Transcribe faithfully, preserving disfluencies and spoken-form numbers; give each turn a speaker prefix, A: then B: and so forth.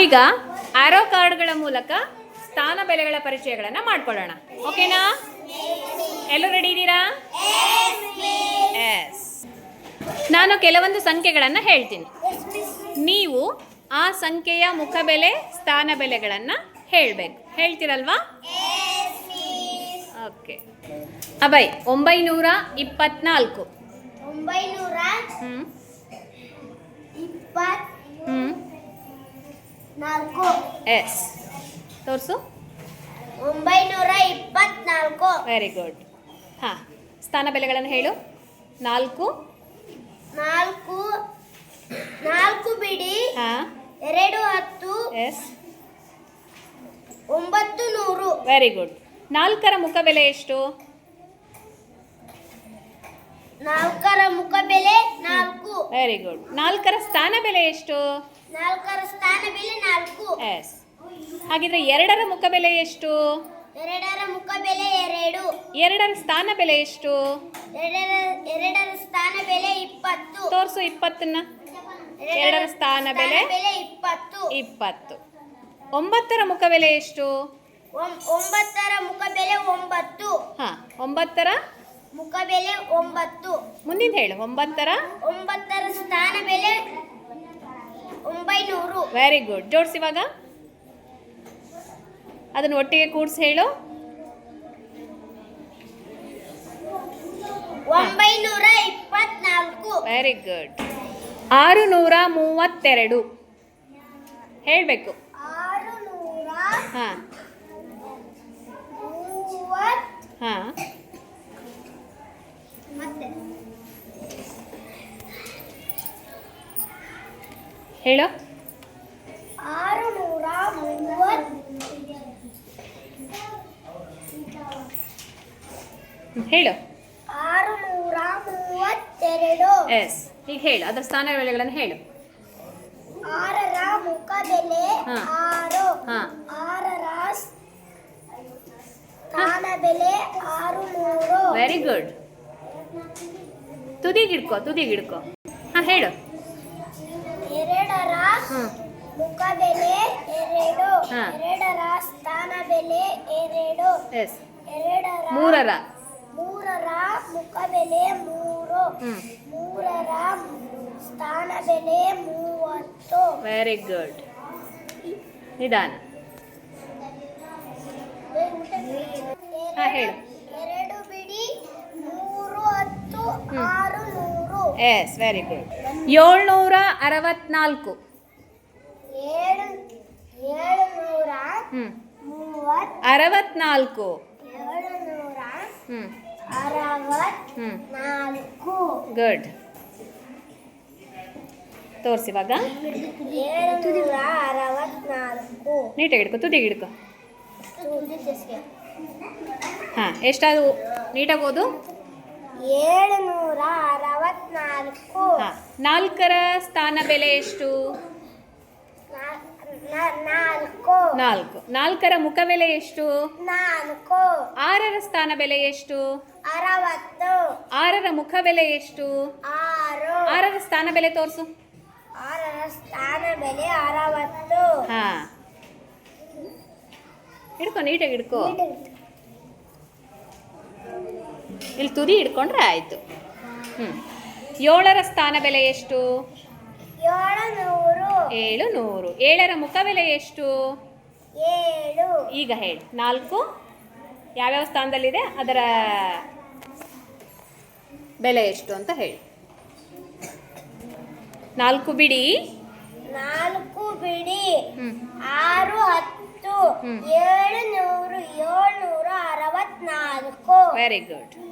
A: ನಾವೀಗ ಆರೋ ಕಾರ್ಡ್ಗಳ ಮೂಲಕ ಸ್ಥಾನ ಬೆಲೆಗಳ ಪರಿಚಯಗಳನ್ನು ಮಾಡ್ಕೊಳ್ಳೋಣ. ಓಕೆನಾ? ಎಲ್ಲರೂ ರೆಡಿ ಇದ್ದೀರಾ? ಎಸ್. ನಾನು ಕೆಲವೊಂದು ಸಂಖ್ಯೆಗಳನ್ನು ಹೇಳ್ತೀನಿ. ನೀವು ಆ ಸಂಖ್ಯೆಯ ಮುಖಬೆಲೆ ಸ್ಥಾನ ಬೆಲೆಗಳನ್ನು ಹೇಳಬೇಕು. ಹೇಳ್ತೀರಲ್ವಾ? ಓಕೆ. ಅಭಯ್, ಒಂಬೈನೂರ ಇಪ್ಪತ್ನಾಲ್ಕು.
B: ಒಂಬೈನೂರ
A: ಹ್ಞೂ
B: ಇಪ್ಪತ್
A: ಹ್ಞೂ
B: ನಾಲ್ಕು.
A: ಎಸ್. ತೋರಿಸು.
B: ಒಂಬೈನೂರ ಇಪ್ಪತ್ನಾಲ್ಕು.
A: Very good. ಹಾಂ, ಸ್ಥಾನ ಬೆಲೆಗಳನ್ನು ಹೇಳು. ನಾಲ್ಕು
B: ನಾಲ್ಕು ನಾಲ್ಕು ಬಿಡಿ
A: ಹಾಂ
B: ಎರಡು ಹತ್ತು
A: ಎಸ್
B: ಒಂಬತ್ತು ನೂರು.
A: Very good. ನಾಲ್ಕರ ಮುಖಬೆಲೆ ಎಷ್ಟು?
B: ನಾಲ್ಕರ ಮುಖ ಬೆಲೆ ನಾಲ್ಕು.
A: Very good. ನಾಲ್ಕರ ಸ್ಥಾನ ಬೆಲೆ ಎಷ್ಟು?
B: ನಾಲ್ಕರ ಸ್ಥಾನ ಬೆಲೆ ನಾಲ್ಕು.
A: ಎಸ್. ಹಾಗಿದ್ರೆ ಎರಡರ ಮುಖಬೆಲೆ ಎಷ್ಟು?
B: ಎರಡರ ಮುಖ ಬೆಲೆ ಎರಡು.
A: ಎರಡರ ಸ್ಥಾನ ಬೆಲೆ ಎಷ್ಟು?
B: ಎರಡರ ಎರಡರ ಸ್ಥಾನ ಬೆಲೆ ಇಪ್ಪತ್ತು.
A: ತೋರಿಸು ಇಪ್ಪತ್ತನ್ನ. ಎರಡರ ಸ್ಥಾನ ಬೆಲೆ
B: ಬೆಲೆ ಇಪ್ಪತ್ತು.
A: ಇಪ್ಪತ್ತು. ಒಂಬತ್ತರ ಮುಖಬೆಲೆ ಎಷ್ಟು?
B: ಒಂ- ಒಂಬತ್ತರ ಮುಖ ಬೆಲೆ ಒಂಬತ್ತು.
A: ಹಾಂ, ಒಂಬತ್ತರ
B: ಮುಖ ಬೆಲೆ ಒಂಬತ್ತು.
A: ಮುಂದಿನ ಹೇಳು. ಒಂಬತ್ತರ
B: ಒಂಬತ್ತರ ಸ್ಥಾನ ಬೆಲೆ ಒಂಬೈನೂರು.
A: Very good. ಜೋಡಿಸಿವಾಗ ಅದನ್ನು ಒಟ್ಟಿಗೆ ಕೂಡಿಸಿ ಹೇಳು.
B: ಒಂಬೈನೂರ ಇಪ್ಪತ್ನಾಲ್ಕು.
A: Very good. ಆರು ನೂರ ಮೂವತ್ತೆರಡು ಹೇಳಬೇಕು.
B: ಆರು ನೂರ
A: ಹಾಂ
B: ಮೂವತ್
A: ಹಾಂ
B: ಮತ್ತೆ
A: ಹೇಳು.
B: ಆರು ನೂರ ಮೂವತ್
A: ಹೇಳು.
B: ಆರು ನೂರ ಮೂವತ್ತೆರಡು.
A: ಎಸ್. ಈಗ ಹೇಳು, ಅದರ ಸ್ಥಾನ ಬೆಲೆಗಳನ್ನು ಹೇಳು.
B: ಆರರ ಮುಖ ಬೆಲೆ
A: ಹಾ.
B: ಆರು.
A: ಹಾಂ
B: ಆರರ ಸ್ಥಾನ ಬೆಲೆ ಆರು ನೂರು.
A: Very good. ತುದಿಗಿಡ್ಕೋ ತುದಿಗಿಡ್ಕೋ ಹಾಂ ಹೇಳು.
B: ಎರಡರ
A: ಹ್ಞೂ
B: ಮುಖ ಬೆಲೆ ಎರಡು.
A: ಹಾ.
B: ಎರಡರ ಸ್ಥಾನ ಬೆಲೆ ಎರಡು.
A: ಎಸ್.
B: ಎರಡರ
A: ಮೂರರ
B: ಮೂರರ ಮುಖ ಬೆಲೆ ಮೂರು.
A: ಹ್ಞೂ
B: ಮೂರರ ಸ್ಥಾನ ಬೆಲೆ ಮೂವತ್ತು.
A: Very good. ನಿಧಾನ. ಹಾಂ ಹೇಳು.
B: ಎರಡು ಬಿಡಿ ಮೂರು ಹತ್ತು
A: ಹ್ಮ್.
B: ಆರು ನೂರು.
A: ಎಸ್. Very good. ಏಳ್ನೂರ ಅರವತ್ನಾಲ್ಕು.
B: ಏಳು ಏಳುನೂರ
A: ಹ್ಞೂ
B: ಮೂವತ್
A: ಅರವತ್ನಾಲ್ಕು.
B: ಏಳುನೂರ
A: ಹ್ಞೂ
B: ಅರವತ್
A: ಹ್ಞೂ
B: ನಾಲ್ಕು.
A: ಗುಡ್. ತೋರಿಸಿವಾಗ
B: ಏಳುನೂರ ಅರವತ್ನಾಲ್ಕು.
A: ನೀಟಾಗಿ ಹಿಡ್ಕೊ ತುದಿಗೆ ಹಿಡ್ಕೊ. ಹಾಂ, ಎಷ್ಟಾದವು? ನೀಟಾಗಿ ಓದು.
B: ಏಳುನೂರ ಅರವತ್ನಾಲ್ಕು.
A: ಹಾಂ, ನಾಲ್ಕರ ಸ್ಥಾನ ಬೆಲೆ ಎಷ್ಟು?
B: ನಾ- ನಾ- ನಾಲ್ಕು.
A: ನಾಲ್ಕು. ನಾಲ್ಕರ ಮುಖಬೆಲೆ ಎಷ್ಟು?
B: ನಾಲ್ಕು.
A: ಆರರ ಸ್ಥಾನ ಬೆಲೆ ಎಷ್ಟು?
B: ಅರವತ್ತು.
A: ಆರರ ಮುಖಬೆಲೆ ಎಷ್ಟು?
B: ಆರು.
A: ಆರರ ಸ್ಥಾನ ಬೆಲೆ ತೋರಿಸು.
B: ಆರರ ಸ್ಥಾನ ಬೆಲೆ ಅರವತ್ತು.
A: ಹಾಂ, ಹಿಡ್ಕೊ ನೀಟಾಗಿ ಹಿಡ್ಕೊ. ಇಲ್ಲಿ ತುದಿ ಹಿಡ್ಕೊಂಡ್ರೆ ಆಯಿತು. ಹ್ಞೂ ಏಳರ ಸ್ಥಾನ ಬೆಲೆ ಎಷ್ಟು?
B: ಏಳುನೂರು.
A: ಏಳು ನೂರು. ಏಳರ ಮುಖಬೆಲೆ ಎಷ್ಟು?
B: ಏಳು.
A: ಈಗ ಹೇಳಿ. ನಾಲ್ಕು ಯಾವ್ಯಾವ ಸ್ಥಾನದಲ್ಲಿದೆ, ಅದರ ಬೆಲೆ ಎಷ್ಟು ಅಂತ ಹೇಳಿ. ನಾಲ್ಕು ಬಿಡಿ
B: ನಾಲ್ಕು ಬಿಡಿ
A: ಹ್ಞೂ
B: ಆರು ಹತ್ತು
A: ಹ್ಮ್.
B: ಏಳು ನೂರು ಏಳ್ನೂರ ಅರವತ್ನಾಲ್ಕು.
A: Very good.